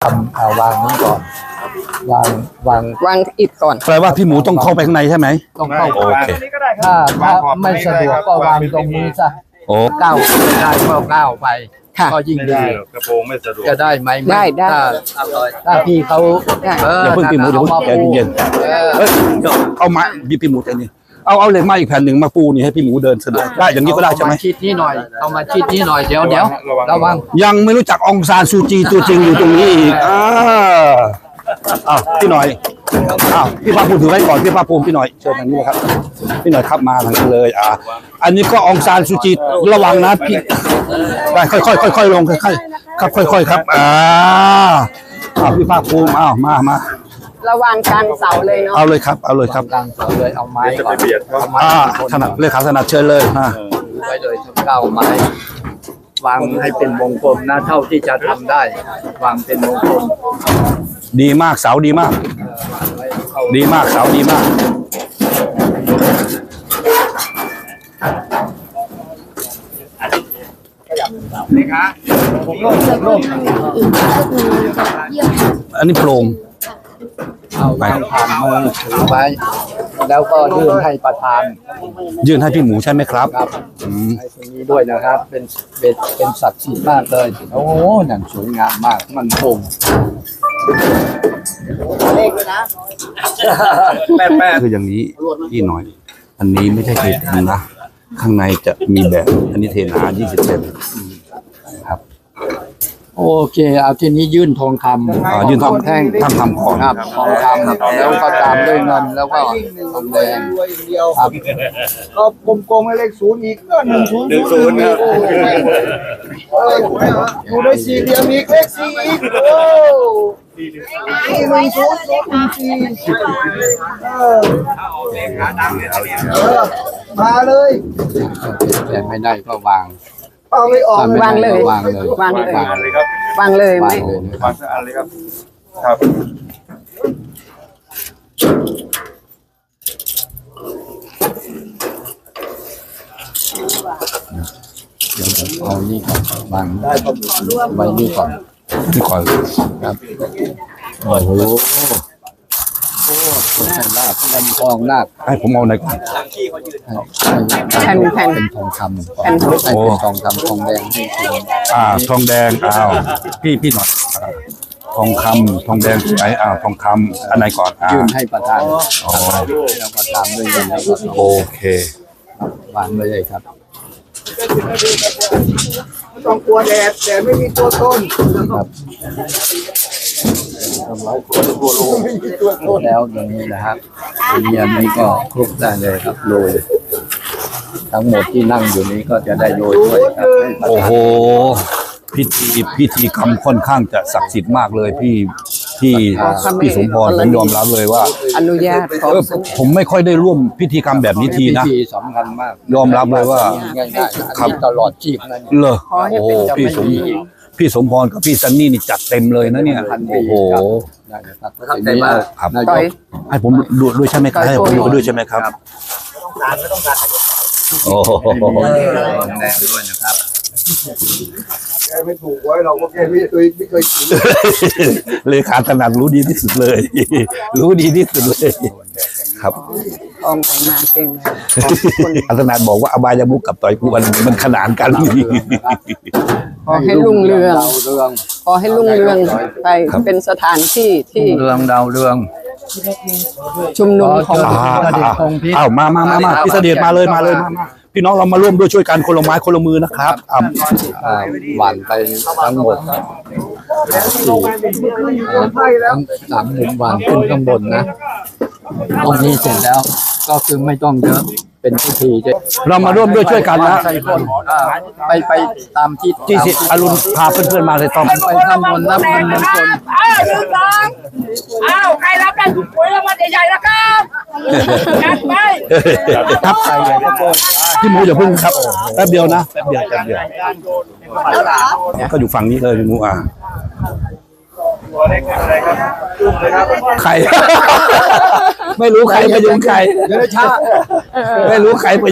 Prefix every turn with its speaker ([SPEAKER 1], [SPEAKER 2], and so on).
[SPEAKER 1] วางนี้ก่อนวาง
[SPEAKER 2] อิฐก่อน
[SPEAKER 3] แปลว่าพี่หมูต้องเข้าไปข้างในใช่ไหม
[SPEAKER 1] ต้องเข้า
[SPEAKER 3] โอเค
[SPEAKER 1] ถ้าไม่สะดวกก็วางตรงนี้ซะ
[SPEAKER 3] โอ้
[SPEAKER 1] ก้าวได้ก็ก้าวไป
[SPEAKER 2] ค่ะ
[SPEAKER 1] ก็ยิ่งดี
[SPEAKER 4] กระโปรงไม่สะดวก
[SPEAKER 1] จะได้ไหม
[SPEAKER 2] ได้
[SPEAKER 1] ถ้าพี่เขา
[SPEAKER 3] อย่าเพิ่งพี่หมูอย่าเพิ่งใจเย็นเอ้ยเอาไม้พี่หมูใจเย็นเอาเหล็กไม้อีกแผ่นหนึ่งมาปูนี่ให้พี่หมูเดินสะดวกได้อย่างนี้ก็ได้ใช่ไหม
[SPEAKER 1] เอาาชิดนี้หน่อยเอามาชิดนี้หน่อยเดี๋ยวระวัง
[SPEAKER 3] ยังไม่รู้จักองซานซูจีตัวจริงอยู่ตรงนี้อีกพี่หน่อยพี่ภาคภูมิถือไว้ก่อนพี่ภาคภูมิพี่หน่อยเชิญทางนี้เลยครับพี่หน่อยครับมาทางนี้เลยอันนี้ก็องซานซูจีระวังนะพี่ได้ค่อยลงค่อยๆครับค่อยๆครับพี่ภาคภูมิมา
[SPEAKER 2] ระวังกลางเสาเลยเนาะ
[SPEAKER 3] เอาเลยครับ
[SPEAKER 1] กลางเสาเลยเอาไม้ก่อน
[SPEAKER 3] ถนัดเลยครับถนัดเชิญเลย
[SPEAKER 1] ไว้เลยทั้ง9ไม้วางให้เป็นวงกลมนะเท่าที่จะทำได้วางเป็นวงกลม
[SPEAKER 3] ดีมากเสาดีมากเสาดีมาก
[SPEAKER 1] นี่ครับผมโล่ง
[SPEAKER 3] อันนี้โปร่ง
[SPEAKER 1] เอาไปผ่านมือถือไปแล้วก็ยื่นให้ประธาน
[SPEAKER 3] ยื่นให้พี่หมูใช่ไหมครับ
[SPEAKER 1] ให้ตรงนี้ด้วยนะครับเป็นศักดิ์สิทธิ์มากเลยโอ้โหนั่นสวยงามมากมันคงเลขเลยนะ
[SPEAKER 3] แป๊ะคืออย่างนี้พี่หน่อยอันนี้ไม่ใช่เทน้ำนะข้างในจะมีแบบอันนี้เทน้ำ20 เซนครับ
[SPEAKER 1] โอเคเอาทีนี้ยื่นทองคำ
[SPEAKER 3] ยื่นทองแท่งทำของ
[SPEAKER 1] ครับทองคำแล้วก็ตามด้วยเงินแล้วก็ทองแดงครับ
[SPEAKER 5] ก็กลมๆให้เลข0อีกก็10ครับอยู่ในสี่เหลี่ยมอีกเลข4อีกโอ้มาเลย
[SPEAKER 1] แต่ไม่ได้ก็วาง
[SPEAKER 5] ไม่ออก
[SPEAKER 2] วางเลยวางเลย
[SPEAKER 4] วางเลยครับ
[SPEAKER 2] วางเลยไม่
[SPEAKER 4] วางสักอันเลยครับครับ
[SPEAKER 1] เดี๋ยวเอานี่ก่อนวางไว้นี่ก่อนครับโอ้โหคนใส่ลาบเป็นทองนาค
[SPEAKER 3] ให้ผมเอาไหนก่อน
[SPEAKER 2] แผ่น
[SPEAKER 1] เป็นทองคำให้เป็นทองคำทองแดงให้
[SPEAKER 3] ทองแดงพี่หน่อยทองแดงไหนทองคำอันไหนก่อน
[SPEAKER 1] ยื่นให้ประธานแล้วก็ตามด้วยเงินแล้วก็
[SPEAKER 3] โอเคว
[SPEAKER 1] างเลยครับ
[SPEAKER 5] ไม่ต้องกลัวแดดแต่ไม่มีตัวตน
[SPEAKER 1] ครับแล้วอย่างนี้นะครับทีนี้อันนี้ก็คลุกได้เลยครับโรยทั้งหมดที่นั่งอยู่นี้ก็จะได้โรยด้วยครับ
[SPEAKER 3] โอ้โหพิธีกรรมค่อนข้างจะศักดิ์สิทธิ์มากเลยพี่สมพรผมยอมรับเลยว่า
[SPEAKER 2] อนุญาต
[SPEAKER 3] ผมไม่ค่อยได้ร่วมพิธีกรรมแบบนี้ทีนะ
[SPEAKER 1] พิธีสำคัญมาก
[SPEAKER 3] ยอมรับเลยว่า
[SPEAKER 1] ง่ายๆครับตลอดชีพนั่น
[SPEAKER 3] เลยโอ้โหพี่สมพรกับพี่ซันนี่นี่จัดเต็มเลยนะเนี่ยโอ้โห
[SPEAKER 1] ได้มาก
[SPEAKER 3] ครับให้ผมดูด้วยใช่ไหมครับให้ผมดูด้วยใช่ไหมครับโอ้โห
[SPEAKER 1] แดงด้วยนะครับ
[SPEAKER 5] แกไม่ถูกไว้เราก็แค่ไม่เคยกิน
[SPEAKER 3] เลขาถนัดรู้ดีที่สุดเลยรู้ดีที่สุดเลยครับ
[SPEAKER 2] อองมาเก่ง
[SPEAKER 3] อาถนัดบอกว่าอบายมุกกับต่อยกูมันขนานกัน
[SPEAKER 2] ขอให้รุ่งเรืองขอให้รุ่งเรืองไปเป็นสถานที่
[SPEAKER 1] เรืองดาวเรือง
[SPEAKER 2] ชุมนุมของ
[SPEAKER 3] มาพี่เสด็จมาเลยพี่น้องเรามาร่วมด้วยช่วยกันคนละไม้คนละมือนะครับ
[SPEAKER 1] หวานไปทั้งหมด3 มุมหวานขึ้นข้างบนนะตรงนี้เสร็จแล้วก็คือไม่ต้องเยอะเป็นพิธี
[SPEAKER 3] เรามาร่วมด้วยช่วยกันนะ
[SPEAKER 1] ไปตามที่
[SPEAKER 3] สิอรุณพาเพื่อนๆมาเลยต้อง
[SPEAKER 1] ไปข้างบนนะพันมงคล
[SPEAKER 6] ใครรับได้ถุงรางวัลใหญ่ๆนะครับจัดไป
[SPEAKER 3] ครับพี่หมูอย่าพึ่งครับแป๊บเดียวนะแป๊บเดียวก็อยู่ฝั่งนี้เลยพี่หมูใครไม่รู้ใครไปยุ่งใครไม่รู้ใครไป